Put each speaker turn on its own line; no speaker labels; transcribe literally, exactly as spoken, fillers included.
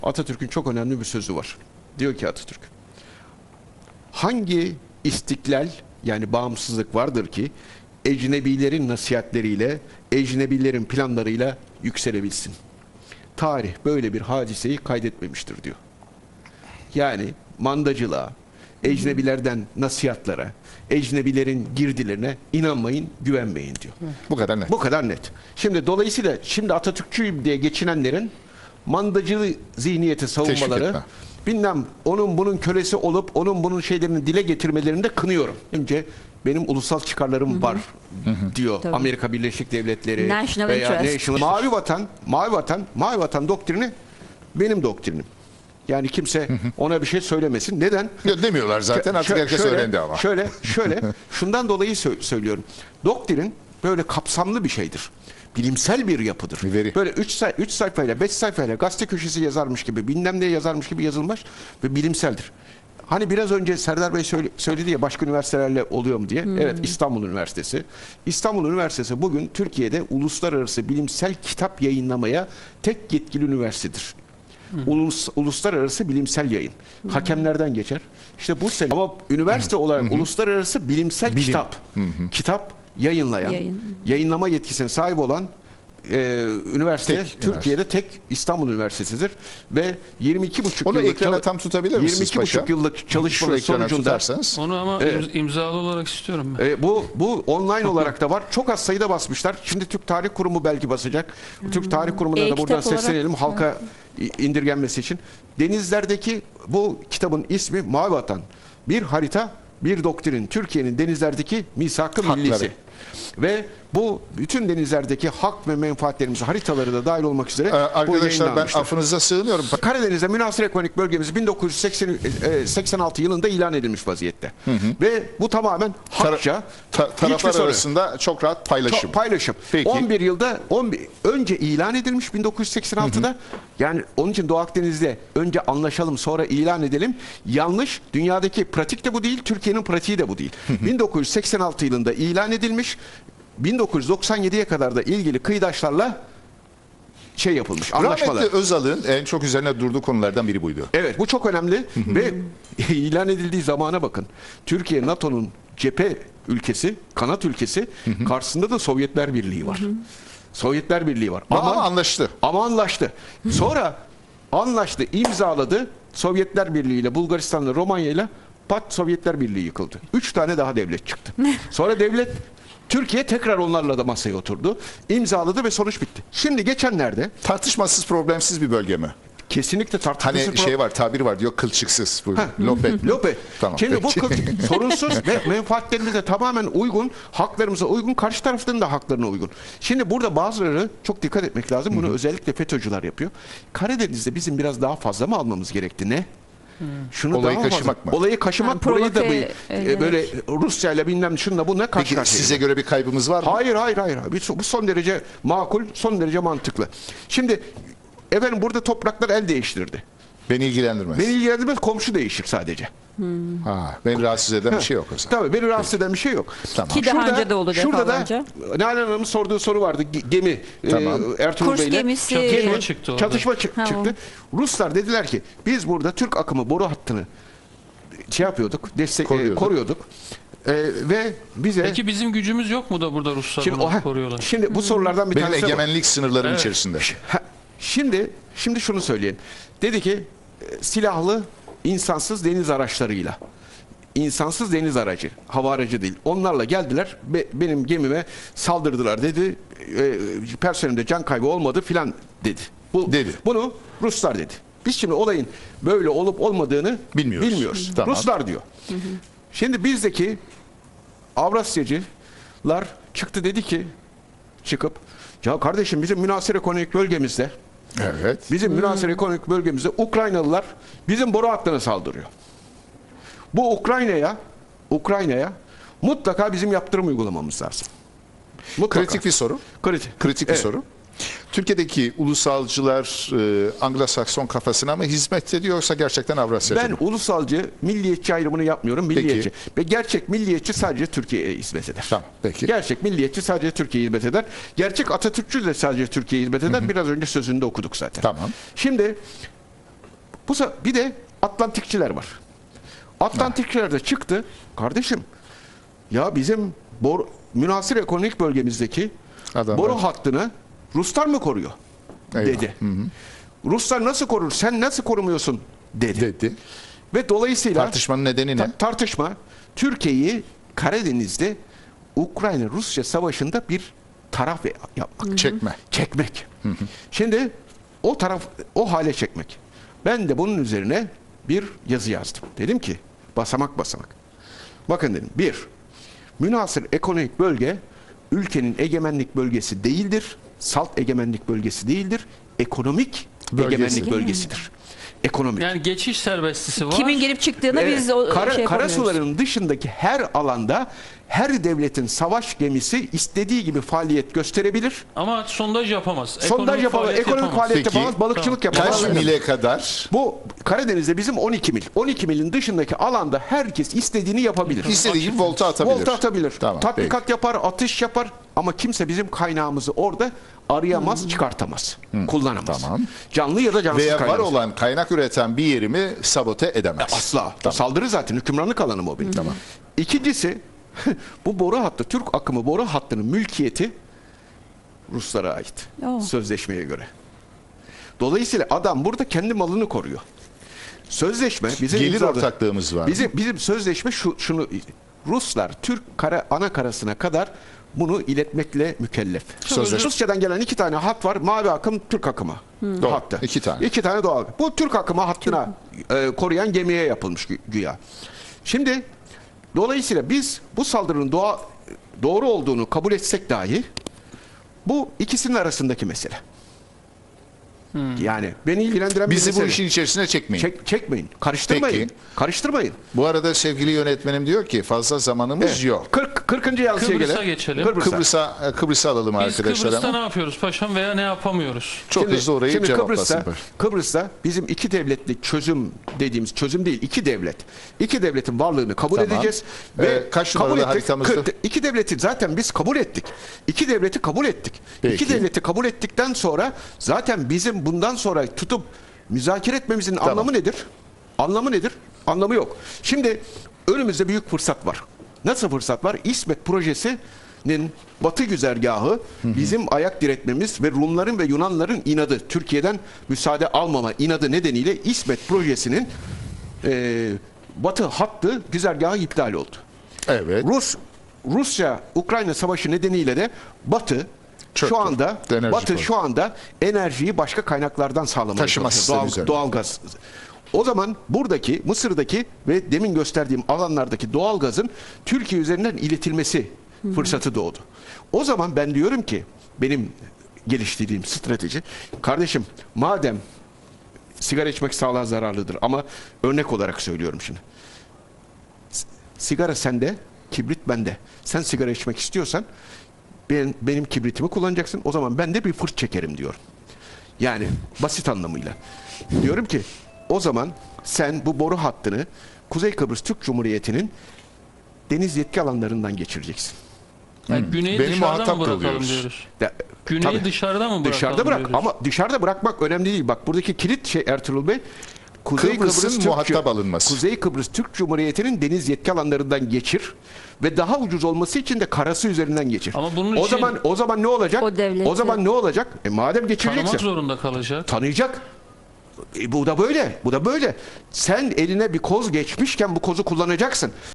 Atatürk'ün çok önemli bir sözü var. Diyor ki Atatürk, hangi istiklal yani bağımsızlık vardır ki ecnebilerin nasihatleriyle, ecnebilerin planlarıyla yükselebilsin? Tarih böyle bir hadiseyi kaydetmemiştir diyor. Yani mandacılığa, ecnebilerden nasihatlara, ecnebilerin girdilerine inanmayın, güvenmeyin diyor.
Bu kadar net.
Bu kadar net. Şimdi dolayısıyla şimdi Atatürkçüyüm diye geçinenlerin mandacılığı zihniyeti savunmaları, bilmem onun bunun kölesi olup onun bunun şeylerini dile getirmelerini de kınıyorum. Önce benim ulusal çıkarlarım Hı-hı. var Hı-hı. diyor. Tabii. Amerika Birleşik Devletleri
National
veya
interest.
National. Mavi vatan, mavi vatan, mavi vatan doktrini benim doktrinim. Yani kimse ona bir şey söylemesin. Neden?
Ya demiyorlar zaten, artık herkes
şöyle,
öğrendi ama.
Şöyle, şöyle, şundan dolayı sö- söylüyorum. Doktrin böyle kapsamlı bir şeydir. Bilimsel bir yapıdır.
Bir veri.
Böyle üç say- üç sayfayla, beş sayfayla gazete köşesi yazarmış gibi, bilmem ne yazarmış gibi yazılmış ve bilimseldir. Hani biraz önce Serdar Bey söyle- söyledi ya başka üniversitelerle oluyor mu diye. Hmm. Evet, İstanbul Üniversitesi. İstanbul Üniversitesi bugün Türkiye'de uluslararası bilimsel kitap yayınlamaya tek yetkili üniversitedir. Ulus, uluslararası bilimsel yayın. Hı -hı. Hakemlerden geçer. İşte bu sene ama üniversite olarak Hı -hı. uluslararası bilimsel Bilim. kitap, Hı -hı. kitap yayınlayan, Yayın. yayınlama yetkisine sahip olan e, üniversite tek, Türkiye'de tek İstanbul Üniversitesi'dir ve yirmi iki buçuk
onu
yıllık
ekrana tam tutabilir misiniz
yirmi iki buçuk yıllık çalışma sonucunda
onu ama evet. imzalı olarak istiyorum ben.
E, bu bu online olarak da var. Çok az sayıda basmışlar. Şimdi Türk Tarih Kurumu belki basacak. Hmm. Türk Tarih Kurumu'na e, da buradan seslenelim olarak, halka evet. indirgenmesi için. Denizlerdeki bu kitabın ismi Mavi Vatan. Bir harita, bir doktrin. Türkiye'nin denizlerdeki misak-ı millisi. Ve bu bütün denizlerdeki hak ve menfaatlerimiz haritaları da dahil olmak üzere
ee, arkadaşlar ben affınıza sığınıyorum.
Karadeniz'de münhasır ekonomik bölgemiz bin dokuz yüz seksen altı yılında ilan edilmiş vaziyette. Hı hı. Ve bu tamamen hakça
ta, taraflar arasında çok rahat paylaşım.
To, paylaşım. Peki. on bir yılda on bir, önce ilan edilmiş bin dokuz yüz seksen altıda. Hı hı. Yani onun için Doğu Akdeniz'de önce anlaşalım sonra ilan edelim. Yanlış. Dünyadaki pratik de bu değil. Türkiye'nin pratiği de bu değil. Hı hı. bin dokuz yüz seksen altı yılında ilan edilmiş. bin dokuz yüz doksan yediye kadar da ilgili kıyıdaşlarla şey yapılmış, anlaşmalar.
Rahmetli Özal'ın en çok üzerine durduğu konulardan biri buydu.
Evet, bu çok önemli ve ilan edildiği zamana bakın. Türkiye NATO'nun cephe ülkesi, kanat ülkesi, karşısında da Sovyetler Birliği var. Sovyetler Birliği var.
Ama, ama anlaştı.
Ama anlaştı. Sonra anlaştı, imzaladı. Sovyetler Birliği ile Bulgaristan'la Romanya ile pat Sovyetler Birliği yıkıldı. Üç tane daha devlet çıktı. Sonra devlet Türkiye tekrar onlarla da masaya oturdu. İmzaladı ve sonuç bitti. Şimdi geçenlerde
tartışmasız, problemsiz bir bölge mi?
Kesinlikle tartışmasız.
Hani şey var, tabir var diyor, kılçıksız. Lope.
Lope. Tamam, şimdi peki. Bu kılçık, sorunsuz ve menfaatlerimize tamamen uygun, haklarımıza uygun, karşı tarafların da haklarına uygun. Şimdi burada bazıları çok dikkat etmek lazım. Bunu Hı -hı. özellikle FETÖ'cüler yapıyor. Karadeniz'de bizim biraz daha fazla mı almamız gerekti? Ne? Şunu
olayı
daha
kaşımak
fazla.
mı?
Olayı kaşımak,
ha,
burayı da bir,
evet.
böyle Rusya ile bilmem şunla bununla karşı
Peki
karşıya.
size göre bir kaybımız var mı?
Hayır hayır hayır. Bu son derece makul, son derece mantıklı. Şimdi efendim burada topraklar el değiştirdi.
Beni ilgilendirmez.
Beni ilgilendirmez, komşu değişir sadece.
Hmm. Ha, beni rahatsız eden bir şey yok o zaman.
Tabii beni rahatsız eden bir şey yok.
Tamam. Ki daha
şurada,
önce de oldu
şurada
defalarca.
da Nalan Hanım'ın sorduğu soru vardı. Gemi
Tamam.
e, Ertuğrul Bey'le.
Gemisi.
Çatışma çıktı.
Çatışma çı ha, çıktı. Ruslar dediler ki biz burada Türk akımı boru hattını şey yapıyorduk, destek koruyorduk. E, koruyorduk. E, ve bize
Peki bizim gücümüz yok mu da burada Ruslar
şimdi,
bunu
o,
koruyorlar?
Şimdi bu sorulardan bir
Benim
tanesi
egemenlik sınırlarım
evet.
içerisinde.
Şimdi şimdi şunu söyleyin. Dedi ki silahlı insansız deniz araçlarıyla. İnsansız deniz aracı, hava aracı değil. Onlarla geldiler, be, benim gemime saldırdılar dedi. E, personelimde can kaybı olmadı filan dedi. Bu,
dedi.
Bunu Ruslar dedi. Biz şimdi olayın böyle olup olmadığını bilmiyoruz. bilmiyoruz. Tamam. Ruslar diyor. Hı hı. Şimdi bizdeki Avrasyacılar çıktı dedi ki, çıkıp ya kardeşim bizim münhasır ekonomik bölgemizde
evet.
Bizim münhasır hmm. ekonomik bölgemizde Ukraynalılar bizim boru hattına saldırıyor. Bu Ukrayna'ya Ukrayna'ya mutlaka bizim yaptırım uygulamamız lazım. Mutlaka.
Kritik bir soru.
Kritik,
Kritik
evet.
bir soru. Türkiye'deki ulusalcılar e, Anglo-Sakson kafasına mı hizmet ediyor yoksa gerçekten Avrasyacı
Ben
mı?
ulusalcı, milliyetçi ayrımını yapmıyorum. Milliyetçi. Peki. Ve gerçek milliyetçi sadece Türkiye'ye hizmet eder.
Tamam, peki.
Gerçek milliyetçi sadece Türkiye'ye hizmet eder. Gerçek Atatürkçü de sadece Türkiye'ye hizmet eder. Hı hı. Biraz önce sözünde okuduk zaten.
Tamam.
Şimdi Bu se- bir de Atlantikçiler var. Atlantikçiler de çıktı. Kardeşim ya bizim bor, münhasır ekonomik bölgemizdeki
Adamlar.
boru hattını Ruslar mı koruyor?
Eyvah.
Dedi. Ruslar nasıl korur? Sen nasıl korumuyorsun? Dedi.
Dedi.
Ve dolayısıyla
Tartışmanın nedeni ne?
ta- tartışma Türkiye'yi Karadeniz'de Ukrayna-Rusya savaşında bir taraf yapmak.
Çekme.
Çekmek. Şimdi o taraf o hale çekmek. Ben de bunun üzerine bir yazı yazdım. Dedim ki basamak basamak. Bakın dedim. Bir, münhasır ekonomik bölge ülkenin egemenlik bölgesi değildir. Salt egemenlik bölgesi değildir. Ekonomik
Bölgesi.
egemenlik bölgesidir. Ekonomik.
Yani geçiş serbestisi var.
Kimin gelip çıktığına
Evet,
biz o
kara,
şey yapamıyoruz.
karasuların dışındaki her alanda her devletin savaş gemisi istediği gibi faaliyet gösterebilir.
Ama sondaj yapamaz.
Sondaj yapamaz,
faaliyet
ekonomik faaliyet
Peki,
yapamaz, balıkçılık
tamam.
yapamaz.
Kaç mile kadar
Bu Karadeniz'de bizim on iki mil. on iki milin dışındaki alanda herkes istediğini yapabilir.
istediği gibi volta atabilir?
Volta atabilir.
Tamam,
Tatbikat
peki.
yapar, atış yapar ama kimse bizim kaynağımızı orada arayamaz, çıkartamaz. Kullanamaz.
Tamam.
Canlı ya da cansız
Veya var
kaynağımız.
olan kaynak üreten bir yerimi sabote edemez.
Asla.
Tamam.
Saldırı zaten hükümranlık alanı o benim.
Tamam.
İkincisi bu boru hattı, Türk akımı boru hattının mülkiyeti Ruslara ait.
Oo.
Sözleşmeye göre. Dolayısıyla adam burada kendi malını koruyor. Sözleşme bizim
Gelir
imzaladı-
ortaklığımız var.
Bizim bizim sözleşme şu şunu Ruslar Türk kara ana karasına kadar bunu iletmekle mükellef.
Sözleşme-
Rusçadan gelen iki tane hat var. Mavi akım, Türk akımı
Doğru.
hattı.
İki tane.
İki tane doğal. Bu Türk akımı hattına e, koruyan gemiye yapılmış gü- güya. Şimdi dolayısıyla biz bu saldırının doğa, doğru olduğunu kabul etsek dahi bu ikisinin arasındaki mesele. Yani beni ilgilendiren bir
Bizi bu
mesele.
işin içerisine çekmeyin.
Çek, çekmeyin. Karıştırmayın.
Peki.
Karıştırmayın.
Bu arada sevgili yönetmenim diyor ki fazla zamanımız
Evet.
yok.
kırk, kırkıncı yansıya
Kıbrıs'a
gelelim.
geçelim.
Kıbrıs'a.
Kıbrıs'a Kıbrıs'a alalım
Biz
arkadaşlar
Kıbrıs'ta
ama
ne yapıyoruz paşam veya ne yapamıyoruz?
çok
Şimdi-
hızlı orayı
şimdi
cevaplasın.
Kıbrıs'ta, Kıbrıs'ta bizim iki devletli çözüm dediğimiz çözüm değil, iki devlet. İki devletin varlığını kabul
Tamam.
edeceğiz
Ee, kaç numaralı haritamızda?
Kı- İki devleti zaten biz kabul ettik. İki devleti kabul ettik.
Peki.
İki devleti kabul ettikten sonra zaten bizim bundan sonra tutup müzakere etmemizin
Tamam.
anlamı nedir? Anlamı nedir? Anlamı yok. Şimdi önümüzde büyük fırsat var. Nasıl fırsat var? İsmet projesinin batı güzergahı bizim ayak diretmemiz ve Rumların ve Yunanların inadı, Türkiye'den müsaade almama inadı nedeniyle İsmet projesinin e, batı hattı güzergahı iptal oldu.
Evet.
Rus Rusya Ukrayna savaşı nedeniyle de Batı
Çöktü.
şu anda
Enerji
Batı
koydu.
şu anda enerjiyi başka kaynaklardan sağlamaya
Taşıma
çalışıyor.
sistemi
Doğal,
üzerine.
doğalgaz. O zaman buradaki Mısır'daki ve demin gösterdiğim alanlardaki doğalgazın Türkiye üzerinden iletilmesi fırsatı doğdu. O zaman ben diyorum ki benim geliştirdiğim strateji kardeşim madem sigara içmek sağlığa zararlıdır ama örnek olarak söylüyorum şimdi. S- Sigara sende, kibrit bende. Sen sigara içmek istiyorsan ben, benim kibritimi kullanacaksın. O zaman ben de bir fırt çekerim diyorum. Yani basit anlamıyla. Diyorum ki o zaman sen bu boru hattını Kuzey Kıbrıs Türk Cumhuriyeti'nin deniz yetki alanlarından geçireceksin.
Yani güneyi
Beni
dışarıda
muhatap
mı bırakalım
kılıyoruz.
diyoruz?
De-
Güneyi
tabii.
dışarıda mı bırakalım
Dışarıda bırak
diyoruz?
ama dışarıda bırakmak önemli değil. Bak buradaki kilit şey Ertuğrul Bey Kuzey
Kıbrıs'ın
Kıbrıs Türk-
muhatap alınması.
Kuzey Kıbrıs Türk Cumhuriyeti'nin deniz yetki alanlarından geçir ve daha ucuz olması için de karası üzerinden geçir.
Ama bunun
o
için-
zaman o zaman ne olacak?
O devleti-
O zaman ne olacak? E madem geçireceksin
Tanımak zorunda kalacak.
tanıyacak. E bu da böyle. Bu da böyle. Sen eline bir koz geçmişken bu kozu kullanacaksın.